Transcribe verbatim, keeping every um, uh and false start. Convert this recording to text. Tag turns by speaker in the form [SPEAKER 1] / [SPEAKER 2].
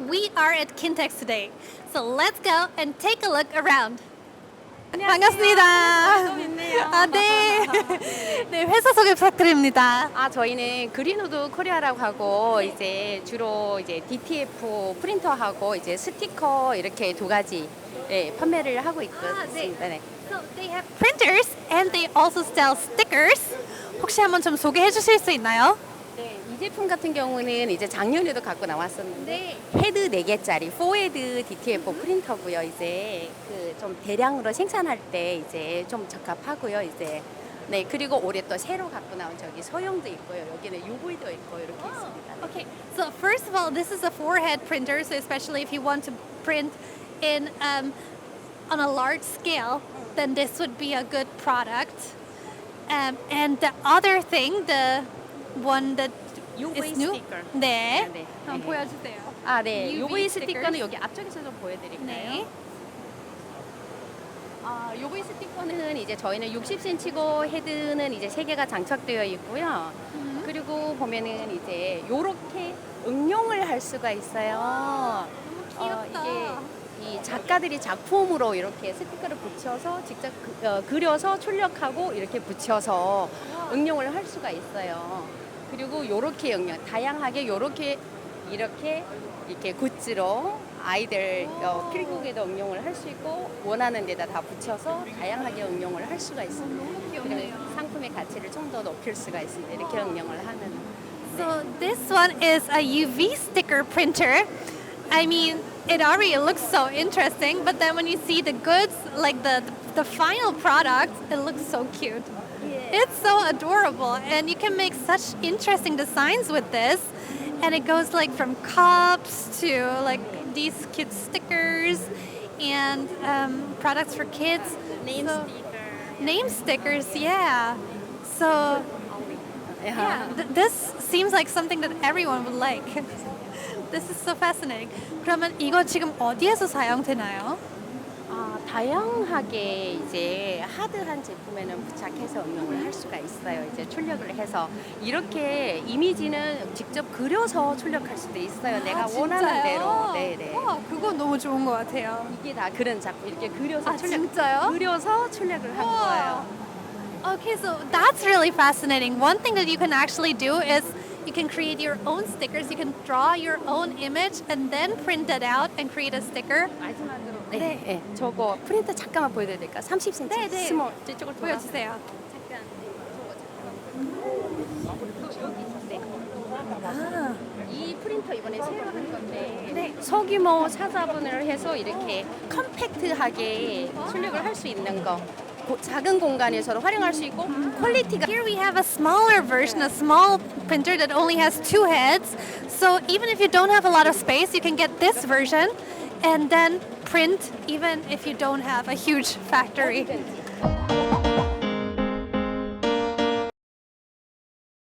[SPEAKER 1] we are at Kintex today. So let's go and take a look around. 반갑습니다. 아, 네. 네, 회사 소개 부탁드립니다.
[SPEAKER 2] 아, 저희는 그린우드 코리아라고 하고 이제 주로 이제 디티에프 프린터하고 이제 스티커 이렇게 두 가지 예, 판매를 하고 있습니다. 네.
[SPEAKER 1] So they have printers and they also sell stickers. 혹시 한번 좀 소개해 주실 수 있나요?
[SPEAKER 2] 네, 이 제품 같은 경우는 이제 작년에도 갖고 나왔었는데 헤드 네 개짜리 포헤드 디티에프 프린터고요. 이제 그 좀 대량으로 생산할 때 이제 좀 적합하고요. 이제 네, 그리고 올해 또 새로 갖고 나온 저기 소형도 있고요. 여기는 유브이도 있고 이렇게 있습니다. 네.
[SPEAKER 1] Okay, so first of all, this is a four-head printer, so especially if you want to print in um, on a large scale, then this would be a good product. Um, and the other thing, the one that
[SPEAKER 2] 유브이
[SPEAKER 1] is new,
[SPEAKER 2] 스티커.
[SPEAKER 1] 네,
[SPEAKER 2] 네.
[SPEAKER 1] 한번
[SPEAKER 2] 네.
[SPEAKER 1] 보여주세요.
[SPEAKER 2] 아, 네.
[SPEAKER 1] 유브이
[SPEAKER 2] 유브이
[SPEAKER 1] 스티커.
[SPEAKER 2] 스티커는 여기 앞쪽에서 좀 보여드릴까요?
[SPEAKER 1] 네.
[SPEAKER 2] 아, 유브이 스티커는 이제 저희는 육십 센티미터고 헤드는 이제 세 개가 장착되어 있고요.
[SPEAKER 1] 음.
[SPEAKER 2] 그리고 보면은 이제 요렇게 응용을 할 수가 있어요.
[SPEAKER 1] 귀엽다.
[SPEAKER 2] 어, 이게 이 작가들이 작품으로 이렇게 스티커를 붙여서 직접 그, 어, 그려서 출력하고 이렇게 붙여서 응용을 할 수가 있어요. 그리고 요렇게 응용, 다양하게 요렇게 이렇게 이렇게 굿즈로 아이들 어, 필국에도 응용을 할 수 있고 원하는 데다 다 붙여서 다양하게 응용을 할 수가 있습니다. 그리고 상품의 가치를 좀 더 높일 수가 있습니다. 이렇게 응용을 하는.
[SPEAKER 1] So this one is a U V sticker printer. I mean, it already looks so interesting, but then when you see the goods, like the the final product, it looks so cute. It's so adorable, and you can make such interesting designs with this. And it goes like from cups to like these cute stickers and um, products for kids.
[SPEAKER 2] Name
[SPEAKER 1] So-
[SPEAKER 2] sticker.
[SPEAKER 1] Name stickers, yeah. So yeah, th- this seems like something that everyone would like. This is so fascinating. 그러면 이거 지금 어디에서 사용되나요?
[SPEAKER 2] 아, 다양하게 이제 하드한 제품에는 부착해서 응용을 할 수가 있어요. 이제 출력을 해서 이렇게 이미지는 직접 그려서 출력할 수도 있어요. 내가
[SPEAKER 1] 아,
[SPEAKER 2] 원하는
[SPEAKER 1] 진짜요?
[SPEAKER 2] 대로. 네네.
[SPEAKER 1] 와, 그거 너무 좋은 것 같아요.
[SPEAKER 2] 이게 다 그런 작품 이렇게 그려서
[SPEAKER 1] 아,
[SPEAKER 2] 출력.
[SPEAKER 1] 진짜요?
[SPEAKER 2] 그려서 출력을 한
[SPEAKER 1] 우와.
[SPEAKER 2] 거예요.
[SPEAKER 1] Okay, so that's really fascinating. One thing that you can actually do is you can create your own stickers. You can draw your own image and then print it out and create a sticker.
[SPEAKER 2] 마지막으로 네, 네. 저거 프린터 잠깐만 보여드려야 될까? 삼십 센티미터
[SPEAKER 1] 네, 네.
[SPEAKER 2] 스몰 저쪽을 돌아서.
[SPEAKER 1] 보여주세요.
[SPEAKER 2] 잠깐. 저거 잠깐. 네.
[SPEAKER 1] 아,
[SPEAKER 2] 이 프린터 이번에 새로 한 건데 네. 소규모 사자분을 해서 이렇게 컴팩트하게 출력을 할 수 있는 거 고- 작은 공간에서도 활용할 수 있고 퀄리티가
[SPEAKER 1] here we have a smaller version, a small printer that only has two heads. So even if you don't have a lot of space, you can get this version and then print even if you don't have a huge factory.